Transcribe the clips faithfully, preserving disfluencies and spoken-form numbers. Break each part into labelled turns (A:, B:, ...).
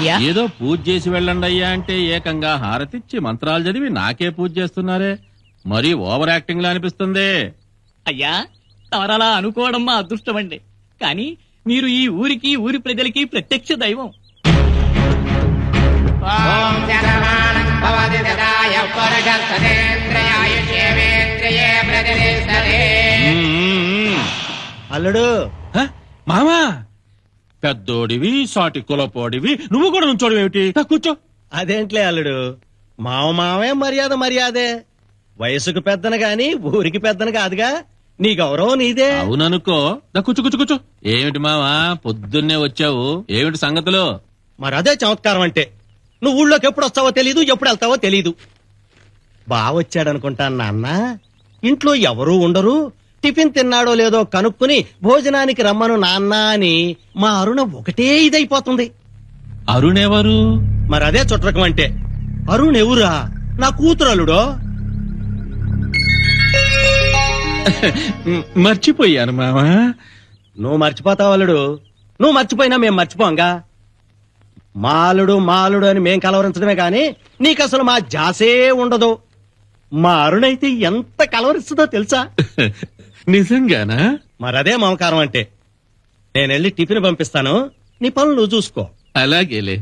A: ఏదో పూజ చేసి వెళ్ళండి అయ్యా అంటే ఏకంగా హారతిచ్చి మంత్రాలు చదివి నాకే పూజ చేస్తున్నారే, మరీ ఓవర్ యాక్టింగ్ లా అనిపిస్తుంది.
B: అయ్యా తమరలా అనుకోవడం మా అదృష్టం అండి, కానీ మీరు ఈ ఊరికి ఊరి ప్రజలకి ప్రత్యక్ష దైవం.
C: అల్లుడు
A: మామా, పెద్దోడివి సాటి కులపోడివి, నువ్వు కూడా నుంచోడు ఏమిటి? కూర్చో.
C: అదేంట్లే అల్లుడు, మావ మావే మర్యాద మర్యాదే. వయసుకు పెద్దను గాని ఊరికి పెద్దను కాదుగా, నీ గౌరవం నీదే.
A: అవుననుకో. కూర్చో కూర్చో కూర్చో. ఏమిటి మావా పొద్దున్నే వచ్చావు, ఏమిటి సంగతులు?
C: మరి అదే చమత్కారం అంటే. నువ్వు ఊళ్ళోకి ఎప్పుడు వస్తావో తెలీదు, ఎప్పుడు వెళ్తావో తెలీదు. బావొచ్చాడనుకుంటాను నాన్న, ఇంట్లో ఎవరూ ఉండరు, టిఫిన్ తిన్నాడో లేదో కనుక్కుని భోజనానికి రమ్మను నాన్న అని మా అరుణ ఒకటే ఇదైపోతుంది.
A: అరుణెవరు?
C: మరి అదే చుట్టరకం అంటే. అరుణ్ ఎవరా? నా కూతురు అల్లుడో.
A: మర్చిపోయాను మామా.
C: నువ్వు మర్చిపోతావు అల్లుడు, నువ్వు మర్చిపోయినా మేం మర్చిపోంగా. మాలుడు మాలుడు అని మేం కలవరించడమే గాని నీకు అసలు మా జాసే ఉండదు. మా అరుణైతే ఎంత కలవరిస్తుందో తెలుసా?
A: నిజంగానా?
C: మరదే మమకారం అంటే. నేనెళ్ళి టిఫిన్ పంపిస్తాను, నీ పనులు నువ్వు చూసుకో.
A: అలాగేలే.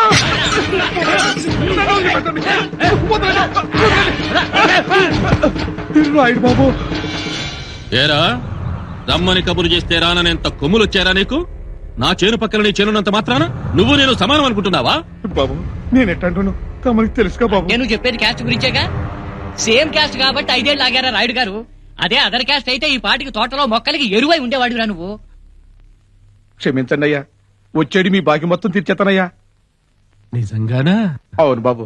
D: బాబు
A: ఏరా, రమ్మని కబురు చేస్తే రాననేంత కొమ్ములు వచ్చారా నీకు? నా చేను పక్కన నీ చేనున్నంత మాత్రాన నువ్వు నేను సమానం అనుకుంటున్నావా?
D: బాబు నేను ఎట్టంటున్నాను తమరికి తెలుసుగా బాబు.
B: నేను చెప్పేది క్యాస్ట్ గురించేగా. సేమ్ క్యాస్ట్ కాబట్టి ఐదేళ్ళు ఆగారా రాయుడు గారు. అదే అదర్ క్యాస్ట్ అయితే ఈ పాటికి తోటలో మొక్కలకి ఎరువై ఉండేవాడురా నువ్వు.
D: క్షమించండి అయ్యా, వచ్చేది మీ బాకి మొత్తం తీర్చేస్తానయ్యా.
A: నిజంగానా?
D: అవును బాబు.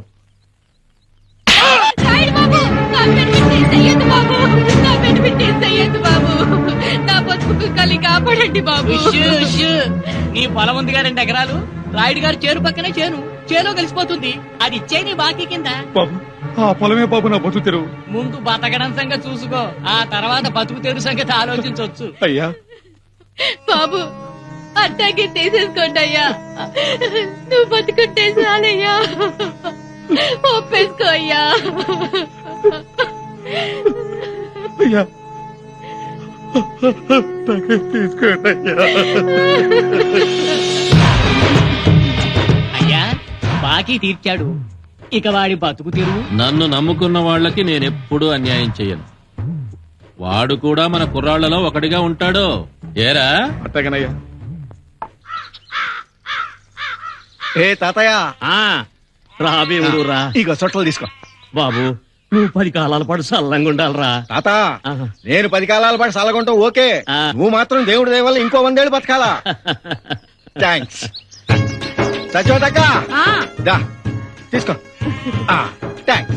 B: కాపాడండి బాబు. నీ పొలం ఉందిగా రెండు ఎకరాలు, రాయుడు గారు చేను పక్కనే చేను, చేలో కలిసిపోతుంది. అది ఇచ్చే నీ బాకీ కింద.
D: బాబు ఆ పొలమే బాబు నా బతుకు తెరువు.
B: ముందు బతకడం సంగతి చూసుకో, ఆ తర్వాత బతుకు తెరువు సంగతి ఆలోచించవచ్చు.
D: అయ్యా
E: బాబు అట్టాగే తీసేసుకోండి అయ్యా, నువ్వు బతుకుంటే చాలయ్యా, ఒప్పేసుకో అయ్యా.
D: అయ్యా తీసుకోండి అయ్యా.
B: అయ్యా బాకీ తీర్చాడు, ఇక వాడి బతుకు తెరువు.
A: నన్ను నమ్ముకున్న వాళ్ళకి నేనెప్పుడూ అన్యాయం చెయ్యను. వాడు కూడా మన కుర్రాళ్లలో ఒకటిగా ఉంటాడు. ఏరా?
D: అట్టగనయ్యా. ఏ తాతయ్య,
C: రాబేవుడు రా,
D: ఇక సొట్టలు తీసుకో.
C: బాబు నువ్వు పది కాలాల పాటు సల్లంగా ఉండాలరా.
D: తాత నేను పది కాలాల పాటు సల్లగుంటాం ఓకే, నువ్వు మాత్రం దేవుడి దయ వల్ల ఇంకో వందేళ్ళు బతకాలా. థ్యాంక్స్. సచోదక్క దా తీసుకో. థ్యాంక్స్.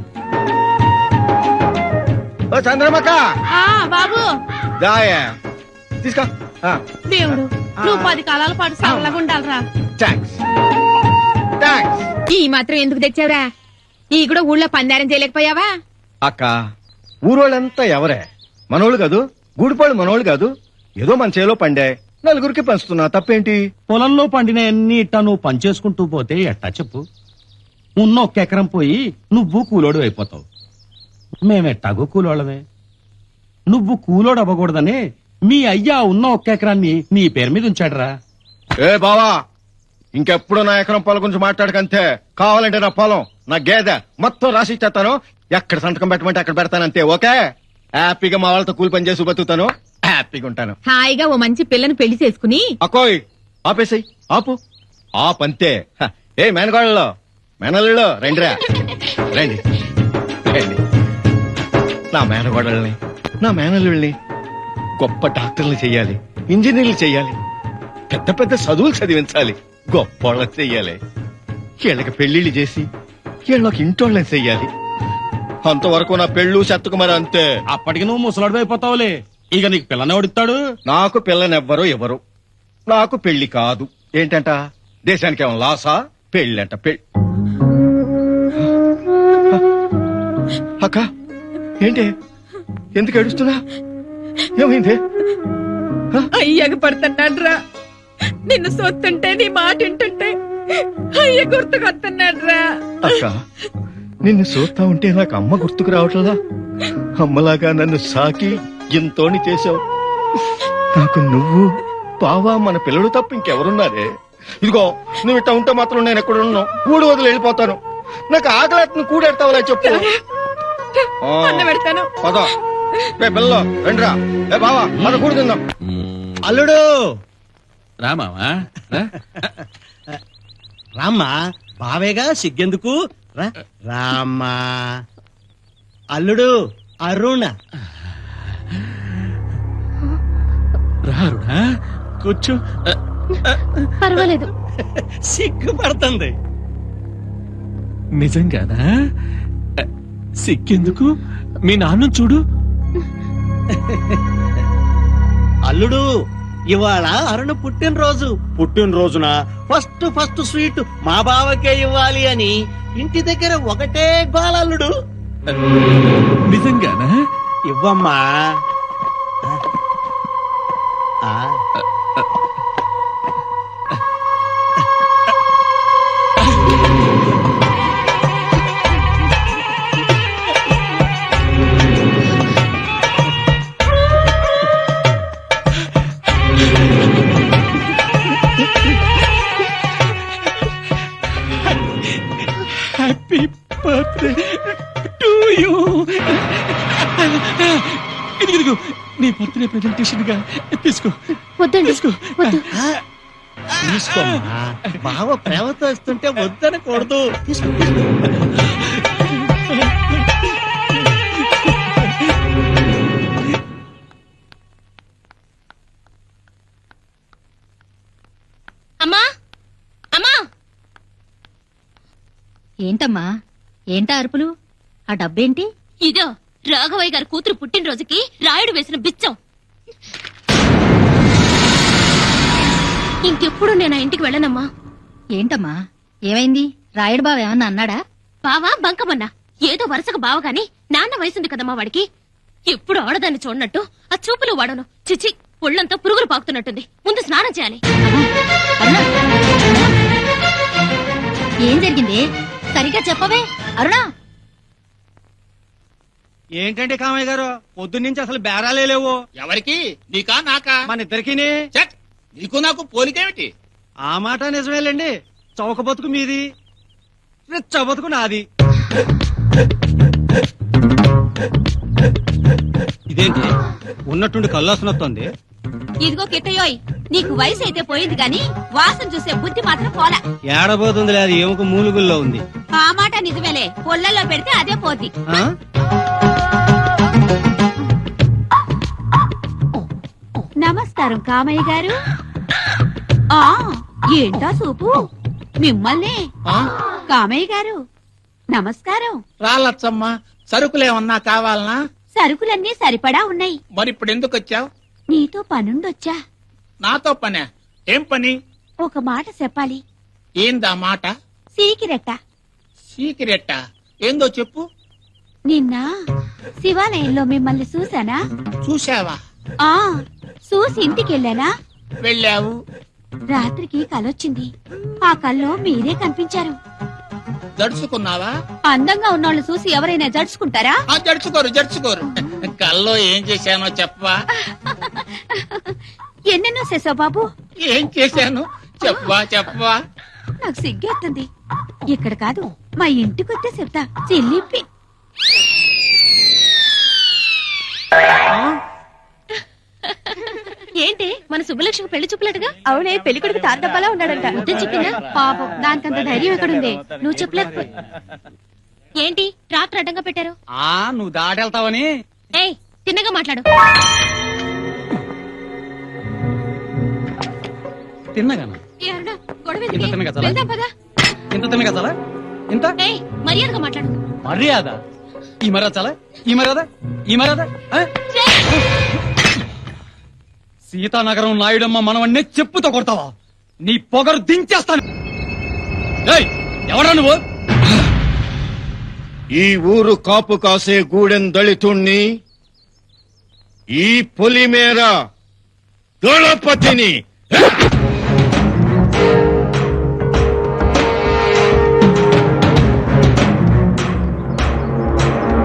D: ఓ చంద్రమక్క
E: బాబు
D: దాయా తీసుకో.
E: దేవుడు నువ్వు పది కాలాల పాటు సల్లగా ఉండాలరా.
D: Thanks thanks.
E: ఈ మాత్రం ఎందుకు తెచ్చావురా? ఈ కూడా ఊళ్ళో పందారం చేయలేకపోయావా?
D: అక్క ఊరోళ్ళంతా ఎవరే, మనోళ్ళు కాదు, గూడిపాళ్ళు మనోళ్ళు కాదు. ఏదో మన చేలో పండే నలుగురికి పంచుతున్నా, తప్పేంటి?
C: పొలంలో పండిన ఎన్ని ఇట్టా నువ్వు పనిచేసుకుంటూ పోతే ఎట్టా చెప్పు? ఉన్న ఒక్క ఎకరం పోయి నువ్వు కూలోడు అయిపోతావు, మేమెట్టాగో కూలోళ్ళమే. నువ్వు కూలోడు అవ్వకూడదని మీ అయ్యా ఉన్న ఒక్క ఎకరాన్ని నీ పేరు మీద ఉంచాడురా.
D: ఏ బావా, ఇంకెప్పుడు నా ఎకరం పొలం గురించి మాట్లాడకంతే. కావాలంటే నా పొలం, నా గేదె మొత్తం రాసి ఇచ్చేస్తాను. ఎక్కడ సంతకం పెట్టమంటే అక్కడ పెడతానంతే. ఓకే? హ్యాపీగా మా వాళ్ళతో కూలి పని చేసి బతుకుతాను, హ్యాపీగా ఉంటాను.
E: హాయిగా ఓ మంచి పిల్లని పెళ్లి చేసుకుని.
D: అకోయ్ ఆపేసాయి, ఆపు ఆపంతే. ఏ మేనగాళ్ళలో మేనల్లో రండిరా, రండి రండి. నా మేనగోడల్ని నా మేనల్లుల్ని గొప్ప డాక్టర్లు చెయ్యాలి, ఇంజనీర్లు చెయ్యాలి, పెద్ద పెద్ద చదువులు చదివించాలి, గొప్పోళ్ళని చెయ్యాలి. వీళ్ళకి పెళ్లిళ్ళు చేసి వీళ్ళకి ఇంటోళ్ళని చెయ్యాలి. అంతవరకు నా పెళ్ళు చెత్తకు మరి అంతే.
C: అప్పటికి నువ్వు ముసలాడు అయిపోతావులే. ఇక నీకు పిల్లని ఎవడిస్తాడు?
D: నాకు పిల్లనెవ్వరు ఎవరు, నాకు పెళ్లి కాదు. ఏంటంట దేశానికి ఏమో లాసా? పెళ్ళంట పెళ్ళి. అక్క ఏంటి, ఎందుకు ఏడుస్తున్నా? ఏమైంది?
E: అయ్యాక పడుతున్నాడు రా. నిన్ను సొత్తుంటే నీ మాట వింటుంటే అయ్య గుర్తుకొస్తున్నాడ్రా.
D: అక్క నిన్ను చూస్తా ఉంటే నాకు అమ్మ గుర్తుకు రావట్లేదా? అమ్మలాగా నన్ను సాకి ఇంతోని చేసావు. నాకు నువ్వు బావా మన పిల్లలు తప్ప ఇంకెవరున్నారే? ఇదిగో నువ్వు ఇట్టా ఉంటే మాత్రం నేను ఎక్కడ ఉన్నావు కూడి వదిలి వెళ్ళిపోతాను. నాకు ఆకలి కూడెడతావులే చెప్పు. ఆ,
E: అన్నం పెడతాను.
D: పద రే పిల్లలు రండిరా. ఏ బావా మన కూడి తిందాం.
C: అల్లుడు
A: రామావా రా.
C: రామ్మా, బావేగా సిగ్గెందుకు రా. రామ్మా అల్లుడు అరుణ.
A: రారుడా కూర్చో.
E: పర్వాలేదు.
C: సిగ్గుపడుతుంది.
A: నిజంగానా? సిక్కెందుకు? మీ నాన్న చూడు.
C: అల్లుడు ఇవాళ అరుణ పుట్టినరోజు. పుట్టినరోజున ఫస్ట్ ఫస్ట్ స్వీట్ మా బావకే ఇవ్వాలి అని ఇంటి దగ్గర ఒకటే గోలల్లుడు.
A: నిజంగానా?
C: ఇవ్వమ్మా. ఆ.
A: Happy birthday to you. ఇదిగో నీ బర్త్డే ప్రెజెంటేషన్ గా తీసుకో.
E: వద్దండి,
A: తీసుకో.
E: వద్దు.
C: తీసుకోమ్మా. బావ ప్రేమతో ఇస్తుంటే వద్దనకూడదు. తీసుకో.
E: అమ్మా, అమ్మా.
F: ఏంటమ్మా, ఏంటా అరుపులు? ఆ డబ్బేంటి?
E: ఇదో రాఘవయ్య గారి కూతురు పుట్టినరోజుకి రాయుడు వేసిన బిచ్చం. ఇంకెప్పుడు నేను ఆ ఇంటికి వెళ్ళనమ్మా.
F: ఏంటమ్మా ఏమైంది? రాయుడు బావ ఏమన్నా అన్నాడా?
E: బావా బంకమన్నా ఏదో వరుసగా బావ గాని నాన్న వయసుంది కదమ్మా వాడికి. ఎప్పుడు ఆడదాన్ని చూడనట్టు ఆ చూపులు వాడను. చిచి, ఒళ్ళంతా పురుగులు పాకుతున్నట్టుంది. ముందు స్నానం చేయాలి.
F: అరుణ, ఏం జరిగింది? సరిగ్గా చెప్పవే అరుణ.
C: ఏంటంటే కామయ్య గారు పొద్దున్నుంచి అసలు బేరాలే లేవు.
G: ఎవరికి? నీకా నాకా?
C: మన ఇద్దరికి.
G: చెక్. నీకు నాకు పోలికేమిటి?
C: ఆ మాట నిజమేలేండి. చౌక బతుకు మీది, రిచ్చ బతుకు నాది. ఇదేంటి ఉన్నట్టుండి కల్లాసన వస్తుంది?
E: ఇదిగో కిట్టయోయ్, నీకు వయసు అయితే పోయింది గాని వాసన చూసే బుద్ధి మాత్రం పోలా.
C: ఏడబోతుంది లేదు, ఎముక మూలుగుల్లో ఉంది.
E: ఆ మాట నిజమేలే, పొల్లల్లో పెడితే అదే పోద్ది.
C: ఆ?
E: నమస్కారం కామయ్య గారు. ఆ ఏంటా సూపు? మిమ్మల్ని
G: ఆ?
E: కామయ్య గారు నమస్కారం.
G: రాలచ్చమ్మ, సరుకులేమన్నా కావాలనా?
E: సరుకులన్నీ సరిపడా ఉన్నాయి.
G: మరి ఇప్పుడు ఎందుకు వచ్చావు?
E: నీతో పనుండొచ్చా?
G: నాతో పనే? ఏం పని?
E: ఒక మాట చెప్పాలి.
G: ఏందా మాట?
E: సీకిరెట్ట.
G: సీక్రెట్ ఏందో చెప్పు.
E: నిన్న శివాలయంలో మిమ్మల్ని చూసానా?
G: చూసావా?
E: ఆ చూసి ఇంటికెళ్ళానా?
G: వెళ్ళావు.
E: రాత్రికి కలొచ్చింది. ఆ కల్లో మీరే కనిపించారు.
G: జడుచుకున్నావా?
E: అందంగా ఉన్నోళ్ళు చూసి ఎవరైనా జడుచుకుంటారా?
G: ఆ జడుచుకోరు జడుచుకోరు. కల్లో ఏం చేశానో చెప్పవా?
E: ఎన్నెన్నో చేసావు బాబు.
G: ఏం చేశాను చెప్పవా చెప్పవా?
E: నాకు సిగ్గేస్తుంది. ఇక్కడ కాదు, మా ఇంటికొస్తే చెప్తా. చెల్లిప్పి ఏంటి మన సుబ్బలక్ష్మి పెళ్లి చూపులట్టుగా? అవునే, పెళ్లి కొడుకు తాతప్పలా ఉన్నాడంట. వద్దని చెప్పిందా? పాపం, దానికంత ధైర్యం ఎక్కడుంది? నువ్వు చెప్పలేకపో. ఏంటి ట్రాక్టర్ అడ్డంగా పెట్టారు?
C: ఆ నువ్వు దాటెళ్తావని.
E: ఏయ్, తిన్నగా మాట్లాడు.
C: తిన్నగానా?
E: ఏ అరుణ, గొడవ
C: ఇంత
E: ఎందుకే?
C: తిన్నగా చాలా?
E: వెళ్దాం పదా.
C: ఇంత తిన్న కదా ఇంత
E: ఏయ్, మర్యాదగా మాట్లాడు.
C: మర్యాద. ఈ మర్యాద చాలా, ఈ మర్యాద, ఈ మర్యాద. ఆ? సీతానగరం నాయుడమ్మ మనవన్నే చెప్పుతో కొడతావా? నీ పొగరు దించేస్తాను. ఏయ్, ఎవరా నువ్వు?
D: ఈ ఊరు కాపు కాసే గూడెం దళితుణ్ణి, ఈ పొలిమేర దళపతిని.